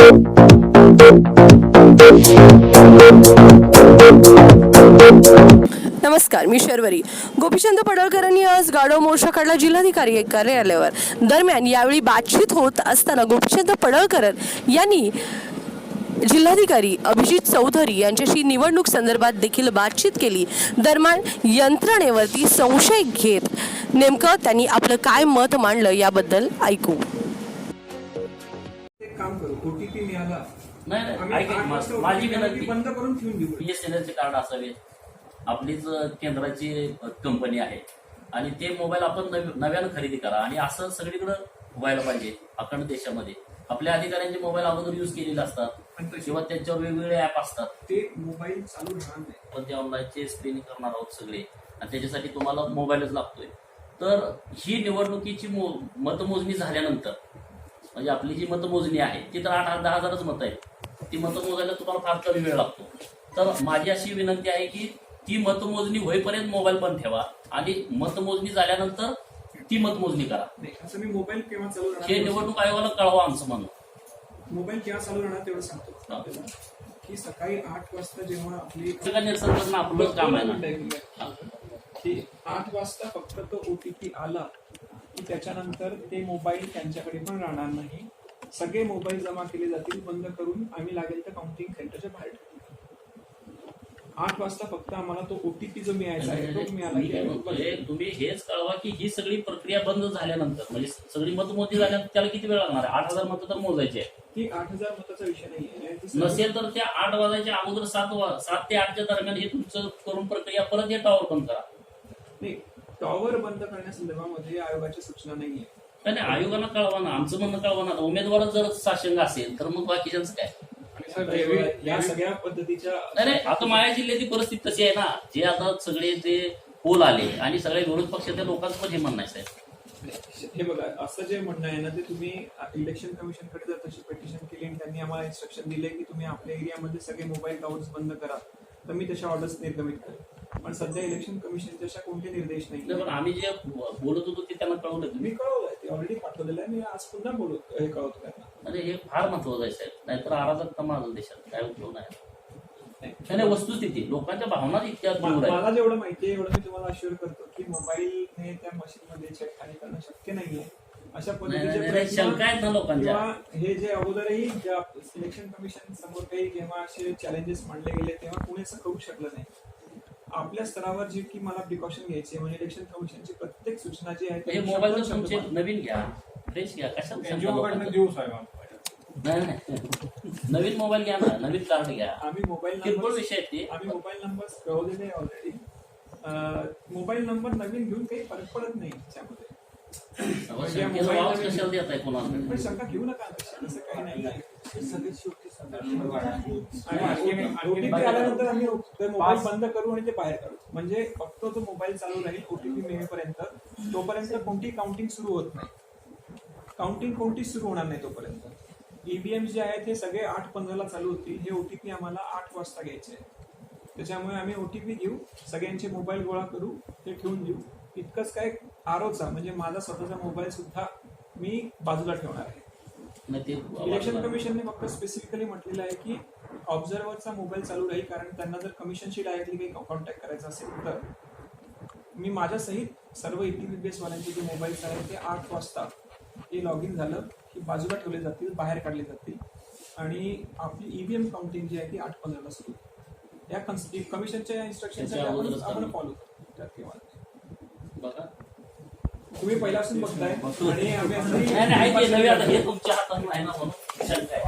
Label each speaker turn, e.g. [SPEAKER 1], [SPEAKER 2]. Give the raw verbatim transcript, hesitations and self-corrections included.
[SPEAKER 1] नमस्कार, मी शर्वरी. गोपीचंद पडळकरांनी आज गाढव मोर्चा काढला जिल्हाधिकारी कार्यालयावर. दरम्यान यावेळी बातचीत होत असताना गोपीचंद पडळकर यांनी जिल्हाधिकारी अभिजित चौधरी यांच्याशी निवडणूक संदर्भात देखील बातचीत केली. दरम्यान यंत्रणेवरती संशय घेत नेमकं त्यांनी आपलं काय मत मांडलं याबद्दल ऐकू.
[SPEAKER 2] काम करू, ओटीपी मिळाला
[SPEAKER 3] नाही नाही, माझी विनंती
[SPEAKER 2] बंद करून ठेवून देऊ.
[SPEAKER 3] बीएसएनएलचे कार्ड असावे. आपलीच केंद्राची कंपनी आहे आणि ते मोबाईल आपण नव्यानं खरेदी करा आणि असं सगळीकडे व्हायला पाहिजे. अखंड देशामध्ये आपल्या अधिकाऱ्यांचे मोबाईल अगोदर युज केलेले असतात किंवा त्यांच्यावर वेगवेगळे ऍप असतात.
[SPEAKER 2] ते मोबाईल चालू राहणार नाही.
[SPEAKER 3] पण ते ऑनलाईनचे स्क्रीनिंग करणार आहोत सगळे आणि त्याच्यासाठी तुम्हाला मोबाईलच लागतोय. तर ही निवडणुकीची मतमोजणी झाल्यानंतर म्हणजे आपली जी मतमोजणी आहे ती तर आठ दहा हजारच मत आहेत. ती मतं मोजायला तुम्हाला फार कमी वेळ लागतो. तर माझी अशी विनंती आहे की ती मतमोजणी होईपर्यंत मोबाईल पण ठेवा आणि मतमोजणी झाल्यानंतर ती मतमोजणी करा.
[SPEAKER 2] असं मी मोबाईल केव्हा चालू राहणार
[SPEAKER 3] हे निवडणूक आयोगाला कळवा आमचं म्हणून.
[SPEAKER 2] मोबाईल केव्हा चालू राहणार तेवढं सांगतो की सकाळी आठ वाजता जेव्हा आपली
[SPEAKER 3] निरसन करणं आपलं काम आहे ना.
[SPEAKER 2] की आठ वाजता फक्त तो ओटीपी आला की त्याच्यानंतर ते मोबाईल त्यांच्याकडे पण राहणार नाही. सगळे मोबाईल जमा केले जातील, बंद करून आम्ही लागेल तर काउंटिंग सेंटरच्या बाहेर ठेवू. आठ वाजता फक्त आम्हाला तो ओटीपी जो मिळायचा आहे तो मिळाला.
[SPEAKER 3] तुम्ही हेच कळवा की ही सगळी प्रक्रिया बंद झाल्यानंतर म्हणजे सगळी मतमोजणी झाल्यानंतर त्याला किती वेळ लागणार आहे? आठ हजार मतं तर मोजायचे आहे.
[SPEAKER 2] ती आठ हजार मताचा विषय नाही
[SPEAKER 3] नसेल तर त्या आठ वाजायच्या अगोदर सात सात ते आठच्या दरम्यान हे तुमचं करून प्रक्रिया परत हे टॉवर बंद करा.
[SPEAKER 2] नाही, टॉवर बंद करण्यासंदर्भामध्ये आयोगाच्या सूचना नाहीये.
[SPEAKER 3] नाही आयोगाला कळवा ना. आमचं म्हणणं कळवा ना. उमेदवार जर साशंग असेल तर मग बाकीच्यांचं काय?
[SPEAKER 2] या सगळ्या पद्धतीच्या
[SPEAKER 3] नाही नाही, आता माया जिल्ह्याची परिस्थिती तशी आहे ना. जे आता सगळे जे पोल आले आणि सगळे विरोध पक्षाच्या लोकांचं पण हे म्हणणं आहे साहेब.
[SPEAKER 2] हे बघा, असं जे म्हणणं आहे ना ते तुम्ही इलेक्शन कमिशनकडे जर तशी पिटिशन केली आणि त्यांनी आम्हाला इन्स्ट्रक्शन दिले की तुम्ही आपल्या एरियामध्ये सगळे मोबाईल टॉवर्स बंद करा तर मी तशा ऑर्डर्स निर्गमित करेन. पण सध्या इलेक्शन कमिशनचे अशा कोणते निर्देश नाही.
[SPEAKER 3] पण आम्ही जे बोलत होतो ते त्यांना कळवलं.
[SPEAKER 2] मी कळवलंय, ते ऑलरेडी पाठवलेलं आहे. मी आज पुन्हा बोलत हे कळवतो त्यांना.
[SPEAKER 3] म्हणजे हे फार महत्वाचं आहे साहेब. नाहीतर अराजकता माझं देशात काय उपयोग नाही. नाही वस्तुस्थिती लोकांच्या भावना इतक्या
[SPEAKER 2] मला जेवढं माहितीये एवढं मी तुम्हाला अश्युअर करतो की मोबाईलने त्या मशीनमध्ये छेडखानी करणं शक्य नाहीये. अशा पद्धतीचे
[SPEAKER 3] शंका आहेत ना लोकांच्या.
[SPEAKER 2] हे जे अगोदरही ज्या सिलेक्शन कमिशन समोर काही जेव्हा असे चॅलेंजेस मांडले गेले तेव्हा कुणी असं करू शकलं नाही. आपल्या स्तरावर जी की मला प्रिकॉशन घ्यायची म्हणजे इलेक्शन कमिशनची प्रत्येक सूचना जी आहे
[SPEAKER 3] मोबाईल तुमचे नवीन घ्या, फ्रेश घ्या. कशाला
[SPEAKER 2] देऊ साहेब?
[SPEAKER 3] नाही नाही, नवीन मोबाईल घ्या ना, नवीन कार्ड घ्या.
[SPEAKER 2] आम्ही मोबाईल
[SPEAKER 3] किरकोळ विषय आहेत ते.
[SPEAKER 2] आम्ही मोबाईल नंबर कळवलेले ऑलरेडी. मोबाईल नंबर नवीन घेऊन काही फरक पडत नाही त्यामध्ये. पण शंका घेऊ नका, असं काही नाही. ओटीपी आल्यानंतर आम्ही मोबाईल बंद करू आणि ते बाहेर काढू. म्हणजे फक्त तो मोबाईल चालू राहील ओटीपी मिळेपर्यंत. तोपर्यंत कोणती काउंटिंग सुरू होत नाही. काउंटिंग कोणती सुरू होणार नाही तोपर्यंत. ईव्हीएम जे आहेत हे सगळे आठ पंधराला चालू होतील. हे ओटीपी आम्हाला आठ वाजता घ्यायचे. त्याच्यामुळे आम्ही ओटीपी घेऊ, सगळ्यांचे मोबाईल गोळा करू, ते ठेवून देऊ. इतकंच काय, आरोचा म्हणजे माझा स्वतःचा मोबाईल सुद्धा मी बाजूला ठेवणार आहे. इलेक्शन कमिशनने फक्त स्पेसिफिकली म्हटलेलं आहे की ऑब्झर्व्हरचा मोबाईल चालू राहील, कारण त्यांना जर कमिशनशी डायरेक्टली काही कॉन्टॅक्ट करायचा असेल तर मी माझ्या सहित सर्व ईटीबीपीएस वाल्यांचे जे मोबाईल्स आहेत ते आठ वाजता हे लॉग इन झालं की बाजूला ठेवले जातील, बाहेर काढले जातील आणि आपली ईव्हीएम काउंटिंग जी आहे ती आठ पंधराला सुरू. या कमिशनच्या इन्स्ट्रक्शनसाठी आपण फॉलो करतो. तुम्ही पहिल्यापासून बघताय आणि आम्ही